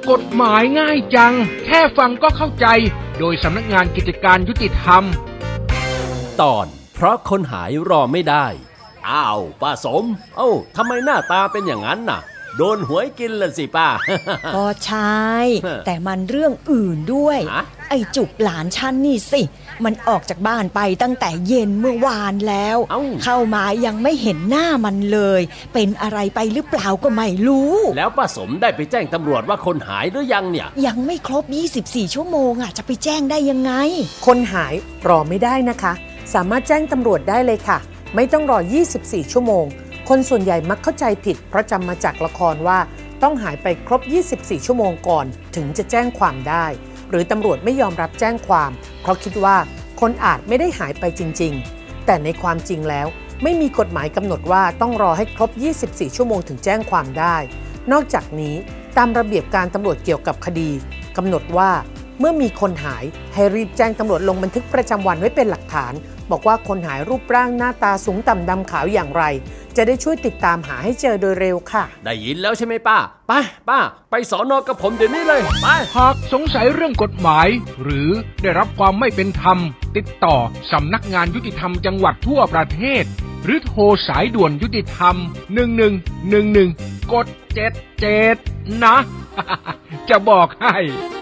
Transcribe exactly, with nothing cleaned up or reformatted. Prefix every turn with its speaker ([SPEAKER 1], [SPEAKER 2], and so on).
[SPEAKER 1] กฎหมายง่ายจังแค่ฟังก็เข้าใจโดยสำนักงานกิจการยุติธรรม
[SPEAKER 2] ตอนเพราะคนหายรอไม่ได้อ้าวป้าสมเอ้าทำไมหน้าตาเป็นอย่างนั้นน่ะโดนหวยกินละสิป้า
[SPEAKER 3] ก็ใช่แต่มันเรื่องอื่นด้วยไอ้จุกหลานฉันนี่สิมันออกจากบ้านไปตั้งแต่เย็นเมื่อวานแล้วเเข้ามายังไม่เห็นหน้ามันเลยเป็นอะไรไปหรือเปล่าก็ไม่รู้
[SPEAKER 2] แล้วป้าสมได้ไปแจ้งตำรวจว่าคนหายหรือยังเนี่ย
[SPEAKER 3] ยังไม่ครบยี่สิบสี่ชั่วโมงอ่ะจะไปแจ้งได้ยังไง
[SPEAKER 4] คนหายรอไม่ได้นะคะสามารถแจ้งตำรวจได้เลยค่ะไม่ต้องรอยี่สิบสี่ชั่วโมงคนส่วนใหญ่มักเข้าใจผิดเพราะจำมาจากละครว่าต้องหายไปครบยี่สิบสี่ชั่วโมงก่อนถึงจะแจ้งความได้หรือตำรวจไม่ยอมรับแจ้งความเพราะคิดว่าคนอาจไม่ได้หายไปจริงๆแต่ในความจริงแล้วไม่มีกฎหมายกำหนดว่าต้องรอให้ครบยี่สิบสี่ชั่วโมงถึงแจ้งความได้นอกจากนี้ตามระเบียบการตำรวจเกี่ยวกับคดีกำหนดว่าเมื่อมีคนหายให้รีบแจ้งตำรวจลงบันทึกประจำวันไว้เป็นหลักฐานบอกว่าคนหายรูปร่างหน้าตาสูงต่ำดำขาวอย่างไรจะได้ช่วยติดตามหาให้เจอโดยเร็วค่ะ
[SPEAKER 2] ได้ยินแล้วใช่ไหมป้าไปป้าไปสอนอกับผมเดี๋ยวนี้เลยไป
[SPEAKER 1] หากสงสัยเรื่องกฎหมายหรือได้รับความไม่เป็นธรรมติดต่อสำนักงานยุติธรรมจังหวัดทั่วประเทศหรือโทรสายด่วนยุติธรรมหนึ่งหนึ่งหนึ่งหนึ่งกดเจ็ดเจ็ดนะ จะบอกให้